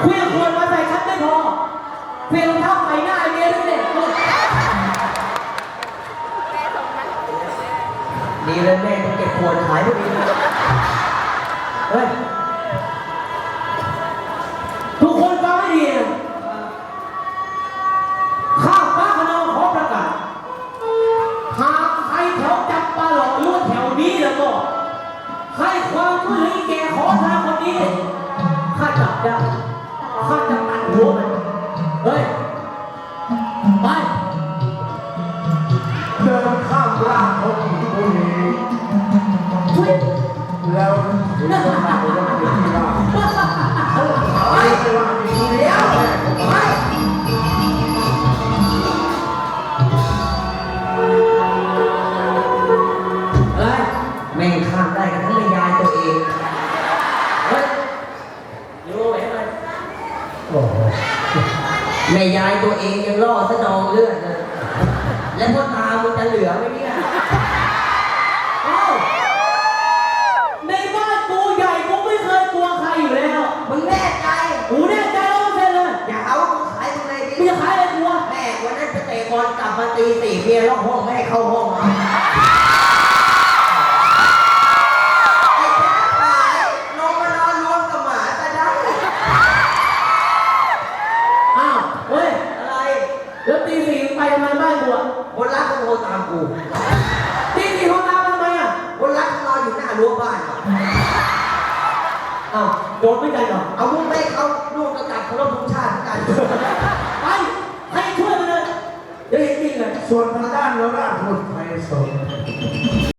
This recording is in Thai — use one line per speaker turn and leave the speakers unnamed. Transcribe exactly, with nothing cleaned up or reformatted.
เพี้ยงควรมาใส่ฉันไม่พอเพี้ยงเท้าใส่หน้าไอเมียด้วยเนี่ยดีเลยแม่ต้องเก็บขวดขายพวกนี้เฮ้ยทุกคนฟังให้ดีนะข้าฟ้าขนองขอประกาศหากใครแถวจับปลาหลอกหรือว่าแถวนี้แล้วก็ให้ความช่วยเหลือแกขอทานคนนี้ข้าจับได้ข้าจะตัดหัวมันเฮ้ยไป
เดินข้ามร่างของผู้หญิง
ช่วย
แล้วถึงจะมาเรื่องที่ร่างเขาหายไปว่ามีผู้เดียวไป
เฮ้ยแม่งข้ามได้กันทั้งแม่ยายตัวเองเฮ้ยอยู่ไหนเลยโอ้โหแม่ยายตัวเองยังล่อสะนองเลือดเลยแล้วพ่อตามันจะเหลือไหมเนี่ยเอ้าในบ้านกูใหญ่กูไม่เคยกลัวใครอยู่แล้วมึงแน่ใจกูแน่ใจร้อยเปอร์เซ็นต์เลยอย่าเอาขายตรงไหนดิมึงจะขายอะไรกูวะแม่วันนั้นไปเตะบอลกลับมาตีสี่เมียล็อกห้องไม่ให้เข้าห้องมาไอ้แค่ขายลงมานอนรวมกับหมาซะได้อ้าวเฮ้ยอะไรแล้วตีสี่ไปทำไมบ้านกูอ่ะคนรักก็โทรตามกูตีสี่โทรตามทำไมอ่ะคนรักนอนอยู่หน้ารั้วบ้านอ่ะอ้าวโดนไม่ใจหรอเอาลูกแม่เขาลูกกระตัดเขาลบทุกชาติกันไปให้ช่วยมันเลยเดี๋ยวเห็นจริงเลย
ส่วนทางด้านเราราชบุตรไพศาล